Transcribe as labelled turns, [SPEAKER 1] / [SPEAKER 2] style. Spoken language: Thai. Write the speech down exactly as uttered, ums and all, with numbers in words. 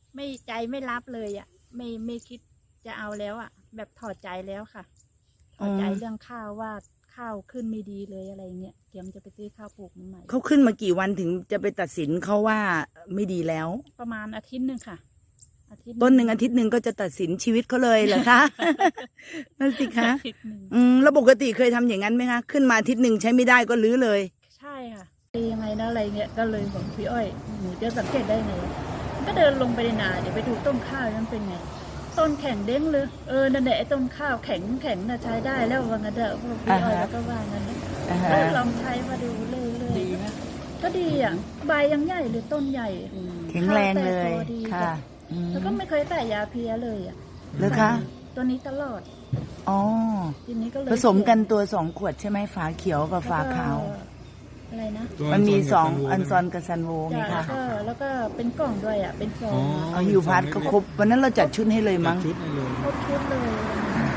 [SPEAKER 1] ไม่ใจไม่รับเลยอ่ะไม่ไม่คิดจะเอาแล้วอ่ะแบบถอดใจแล้วค่ะถอดใจเรื่องข้าวว่าข้าวขึ้นไม่ดีเลยอะไรเงี้ยเตรียมจะไปซื้อข้าวปลูกใหม่
[SPEAKER 2] เขาขึ้นมากี่วันถึงจะไปตัดสินเขาว่าไม่ดีแล้ว
[SPEAKER 1] ประมาณอาทิตย์หนึ่งค่ะอาทิตย์
[SPEAKER 2] ต้นหนึ่งอาทิตย์หนึ่งก็จะตัดสินชีวิตเขาเลยเหรอคะ นั่นสิคะอืมแล้วปกติเคยทำอย่างนั้นไหมคะขึ้นมาอาทิตย์หนึ่งใช้ไม่ได้ก็รื้อเลย
[SPEAKER 1] ใช่ค่ะดียังไงนะอะไรเงี้ยก็เลยบอกพี่อ้อยหนูจะสังเกตได้ไงก็เดินลงไปในนาเดี๋ยวไปดูต้นข้าวนั้นเป็นไงต้นแข็งเด้งเลยเออนั่นแหละไอ้ต้นข้าวแข็งแข็งน่ะใช้ได้แล้วว่างั้นเถอะพี่อ้อยแล้วก็ว่างั้นก็ลองใช้มาดูเลยเลยดีนะก็ดีอ่ะใบยังใหญ่เลยต้นใหญ่
[SPEAKER 2] แข็งแรงเลยค่ะ
[SPEAKER 1] แล้วก็ไม่เคยใส่ยาเพียเลยอ่ะ
[SPEAKER 2] เหรอคะ
[SPEAKER 1] ตัวนี้ตลอด
[SPEAKER 2] อ๋อ
[SPEAKER 1] ทีนี้ก็เลย
[SPEAKER 2] ผสมกันตัวสองขวดใช่ไหมฝาเขียวกับฝาขาว
[SPEAKER 1] อะไรนะ
[SPEAKER 2] มันมีสองอันซอนกับซันโวไงคะ
[SPEAKER 1] แล้วก็แล้วก็เป็นกล่องด้วยอ่ะเป็นซอง
[SPEAKER 2] เอาฮิวพาร์ทก็ครบวันนั้นเราจัดชุดให้เลยมั้ง
[SPEAKER 3] ชุดให้เลย
[SPEAKER 1] ครบชุดเลย